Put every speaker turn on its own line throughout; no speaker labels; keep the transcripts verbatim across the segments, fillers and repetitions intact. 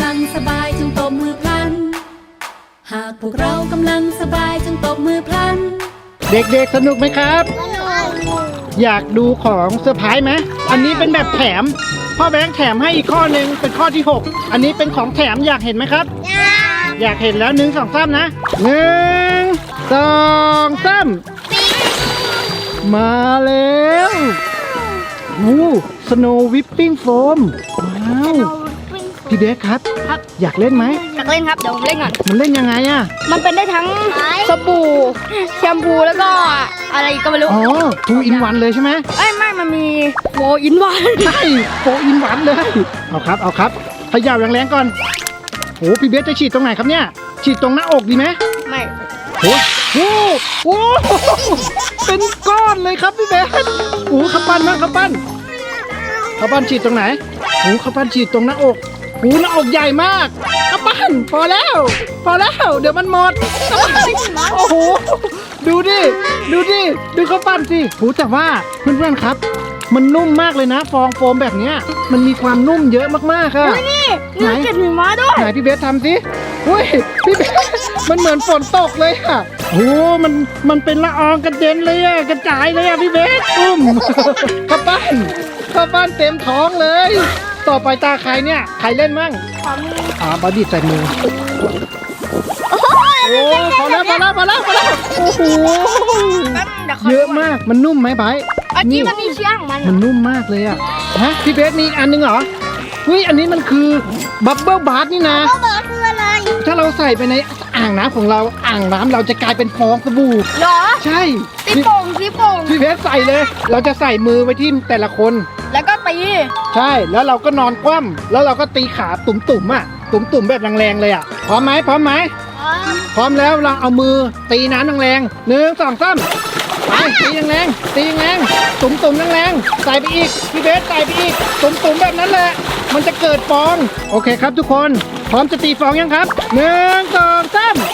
ำลังสบายจงตบมือพลันหากพวกเรากำลังสบายจงตบมือพลัน
เด็กๆสนุกไหมครับอยากดูของเซอร์ไพรส์ไหมอันนี้เป็นแบบแถมพ่อแบงค์แถมให้อีกข้อหนึ่งเป็นข้อที่หกอันนี้เป็นของแถมอยากเห็นไหมครับอยากเห็นแล้วหนึ่งสองสามนะหนึ่งสองสามมาแล้ววู้สโนว์วิปปิ้งโฟมว้าวพี่เบสครับครับอยากเล่นไหม
อยากเล่นครับเดี๋ยวผมเล่นก่อน
มันเล่นยังไงอะ
มันเป็นได้ทั้งสบู่แชมพูแล้วก็อะไรก็ไม่รู้
อ๋อทูอินวันเลยใช่ไหม
เอ้ยไม่มันมีโฟอินวัน
ใช่โฟอินวันเลยเอาครับเอาครับขยับแรงๆก่อนโอ้พี่เบสจะฉีดตรงไหนครับเนี่ยฉีดตรงหน้าอกดีไหม
ไม่
โอ้โหโอ้เป็นก้อนเลยครับพี่เบสโอ้ขับปั้นมากขับปั้นขับปั้นฉีดตรงไหนโอ้ขับปั้นฉีดตรงหน้าอกโอ้หน้าอกใหญ่มากขับปั้นพอแล้วพอแล้วเดี๋ยวมันหมดโอ้โหดูดิดูดิดูขับปั้นสิโอ้แต่ว่าเพื่อนๆครับมันนุ่มมากเลยนะฟองโฟมแบบเนี้ยมันมีความนุ่มเยอะมากๆค่ะ
นี่นี่เก็บหิมะด้วย
ไหนพี่เบสทำสิอุ้ยพี่เบสมันเหมือนฝนตกเลยค่ะโอ้มันมันเป็นละอองกระเด็นเลยอะกระจายเลยอะพี่เบสอุ้มข้าวปั้นข้าวปั้นเต็มท้องเลยต่อไปตาใครเนี่ยใครเล่นมั่งอ่าบอดี้ใส่มือโอ้พอแล้วพอแล้วพอแล้วพอแล้วโอ้โหเยอะมากมันนุ่มไหมไบร์ท
อันนี้มันมีเชือกมัน
มันนุ่มมากเลยอะฮะพี่เบสมีอันนึงเหรอเฮ้ยอันนี้มันคือบับเบิ้ลบาร์นี่นะ
บับเบิ้ลคืออะไร
ถ้าเราใส่ไปในอ่างน้ำของเราอ่างน้ำเราจะกลายเป็นฟองสบู่
เหรอ
ใช่
สีโป่งสีโป่ง
พี่เพชรใส่เลยเราจะใส่มือไว้ที่แต่ละคน
แล้วก็ตี
ใช่แล้วเราก็นอนคว่ำแล้วเราก็ตีขาตุ่มๆอ่ะตุ่มๆแบบแรงๆเลยอ่ะพร้อมไหมพร้อมไหมพร้อมแล้วเราเอามือตีน้ำแรงๆหนึ่งสองสามไปตีแรงๆตีแรงๆตุ่มๆแรงๆใส่ไปอีกพี่เพชรใส่ไปอีกตุ่มๆแบบนั้นแหละมันจะเกิดฟองโอเคครับทุกคนพร้อมจะตีฟองยังครับหนึ่งสองสาม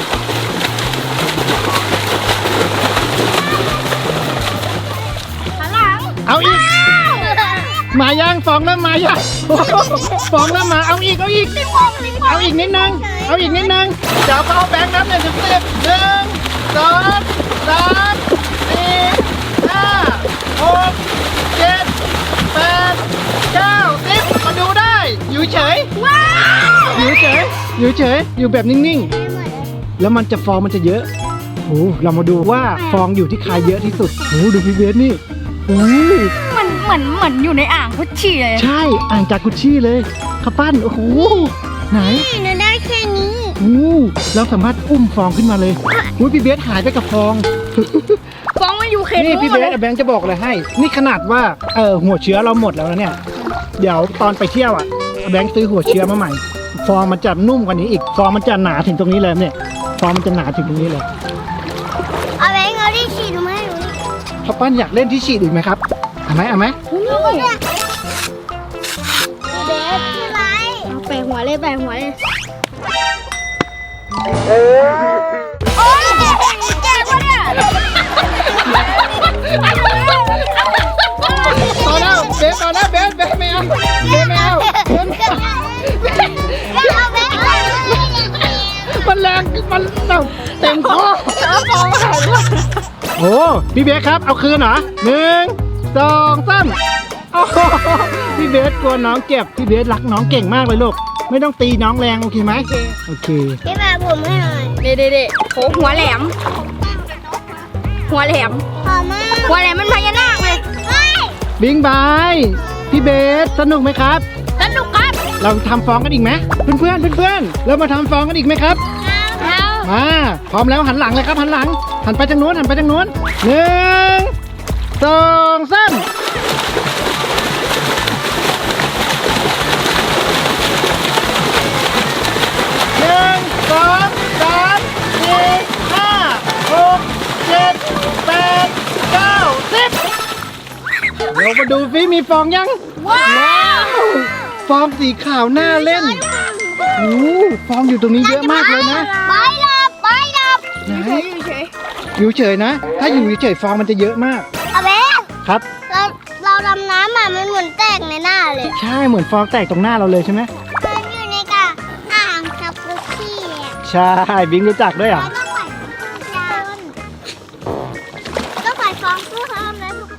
เอาอีกมายังฟองแล้วมายังฟองแล้วมาเอาอีกเอาอีกเอาอีกนิดนึงเอาอีกนิดนึงเดี๋ยวเอาแบงค์นับหนึ่งถึงสิบหนึ่งสองสามสี่ห้าหกเจ็ดแปดเก้าสิบมาดูได้อยู่เฉยอยู่เฉยอยู่เฉยอยู่แบบนิ่งๆแล้วมันจะฟองมันจะเยอะโอ้เรามาดูว่าฟองอยู่ที่ใครเยอะที่สุดโอ้ดูพี่เบสนี่โอ้
มันเหมือนเหมือนอยู่ในอ่างกุชชี่เลย
ใช่อ่างจากกุชชี่เลยข้าวปั้นโอ้โหไหน
นี่ได้แค่นี้
โอ้เราสามารถอุ้มฟองขึ้นมาเลยโอ้พี่เบสหายไปกับฟอง
ฟองมันอยู่เขต
นี่พี่เบสแบงค์จะบอกเลยให้นี่ขนาดว่าเออหัวเชื้อเราหมดแล้วนะเนี่ยเดี๋ยวตอนไปเที่ยวอ่ะแบงค์ซื้อหัวเชื้อมาใหม่ฟองมันจะนุ่มกว่านี้อีกฟองมันจะหนาถึงตรงนี้เลยเนี่ยฟองมันจะหนาถึงตรงนี้เลย
เอาแบงค์เอาที่ฉีดมาให้หนู
ข้าวปั้นอยากเล่นที่ฉีดอีกไหมครับเอาไหมเอาไหม
เบสคืออะไรเอาแปะหัวเลยแปะหัวเลยโอ้ยแกวะเนี่ย
ต่อแล้วเบสต่อแล้วเบสเบสไม่เอาเบสไม่เอามันแรงมันเต็มคอโอ้พี่เบสครับเอาคืนเหรอหนึ่งสองสามโอ้พี่เบสกลัวน้องเจ็บพี่เบสรักน้องเก่งมากเลยลูกไม่ต้องตีน้องแรงโอเคไหมโอเค
พี่มาผมให้หน่อยเด็ดเด็ดโอ้หัวแหลมหัวแหลมหัวแหลมมันพญานาคเลย
บิงบายพี่เบสสนุกไหมครับ
สนุกครับ
เราทำฟองกันอีกไหมเพื่อนเพื่อนเพื่อนเรามาทำฟองกันอีกไหมครับมาพร้อมแล้วหันหลังเลยครับหันหลังหันไปทางโน้นหันไปทางโน้นหนึ่งสองสามหนึ่งสองสามสี่ห้าหกเจ็ดแปดเก้าสิบเรามาดูฟิมีฟองยัง
ว้าว
ฟองสีขาวน่าเล่นโอ้ฟองอยู่ตรงนี้เยอะมากเลยนะ
ไปดับไปดับ
ไหนอยู่เฉยนะถ้าอยู่เฉยฟองมันจะเยอะมาก
อาเบส
ครับ
เราเราดำน้ำอ่ะมันเหมือนแตกในหน้าเลย
ใช่เหมือนฟองแตกตรงหน้าเราเลยใช่ไหม
มันอยู่ในกา
ใช่บิงรู้จักด้วยเหรอ
ต้องใส่ฟองเพิ่มนะทุก